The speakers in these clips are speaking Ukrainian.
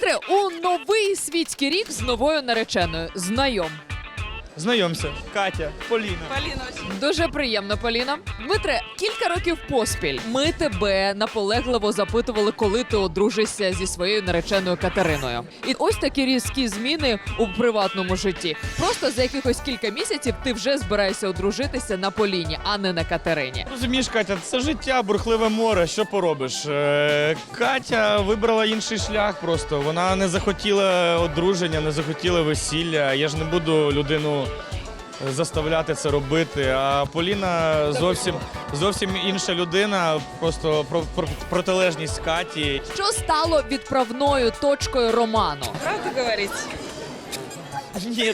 Дмитре, у новий світський рік з новою нареченою. Знайом. Знайомся. Катя, Поліна. Полина очень. Дуже приємно, Поліна. Дмитре, кілька років поспіль ми тебе наполегливо запитували, коли ти одружишся зі своєю нареченою Катериною. І ось такі різкі зміни у приватному житті. Просто за якихось кілька місяців ти вже збираєшся одружитися на Поліні, а не на Катерині. Розумієш, Катя, це життя, бурхливе море, що поробиш? Катя вибрала інший шлях просто. Вона не захотіла одруження, не захотіла весілля. Я ж не буду людину заставляти це робити. А Поліна зовсім інша людина, просто протилежність Каті. Що стало відправною точкою роману? Правду говорить? Ні.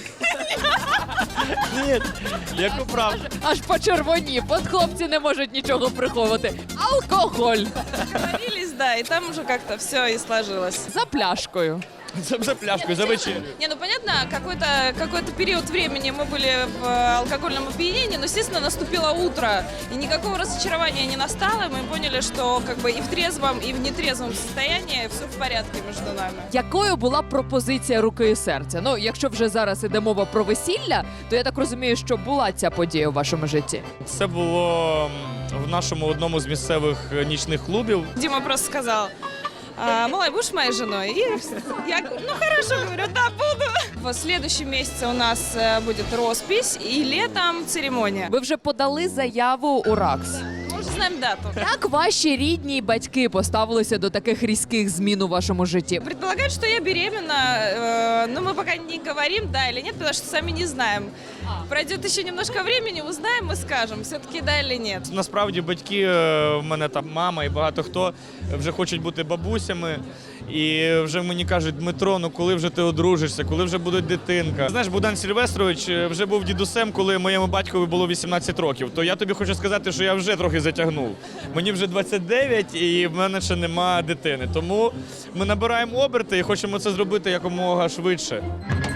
Ні, яку правду. Аж почервонів, от хлопці не можуть нічого приховувати. Алкоголь Договорились, да, и там уже как-то все и сложилось. за пляшкою. За пляшкою, за вечерю. Не, ну понятно, какой-то период времени мы были в алкогольном опьянении, но, естественно, наступило утро, и никакого разочарования не настало, и мы поняли, что как бы и в трезвом, и в нетрезвом состоянии все в порядке между нами. Якою була пропозиція руки і серця? Ну, якщо вже зараз іде мова про весілля, то я так розумію, що була ця подія у вашому житті. Це було в нашому одному з місцевих нічних клубів. Дима просто сказал: «Малай, будешь моей женой?» И я говорю: ну хорошо, говорю, да, буду. В следующем месяце у нас будет роспись и летом церемония. Ви вже подали заяву у РАКС. Мы уже знаем дату. Як ваші рідні й батьки поставилися до таких різких змін у вашому житті? Предполагают, что я беременна, но мы пока не говорим, да или нет, потому что сами не знаем. Пройдет еще немножко времени, узнаем и скажем, все-таки да или нет. Насправді батьки, в мене там мама і багато хто вже хочуть бути бабусями. І вже мені кажуть: Дмитро, ну коли вже ти одружишся, коли вже буде дитинка? Знаєш, Богдан Сильвестрович вже був дідусем, коли моєму батькові було 18 років. То я тобі хочу сказати, що я вже трохи затягнув. Мені вже 29 і в мене ще нема дитини. Тому ми набираємо оберти і хочемо це зробити якомога швидше.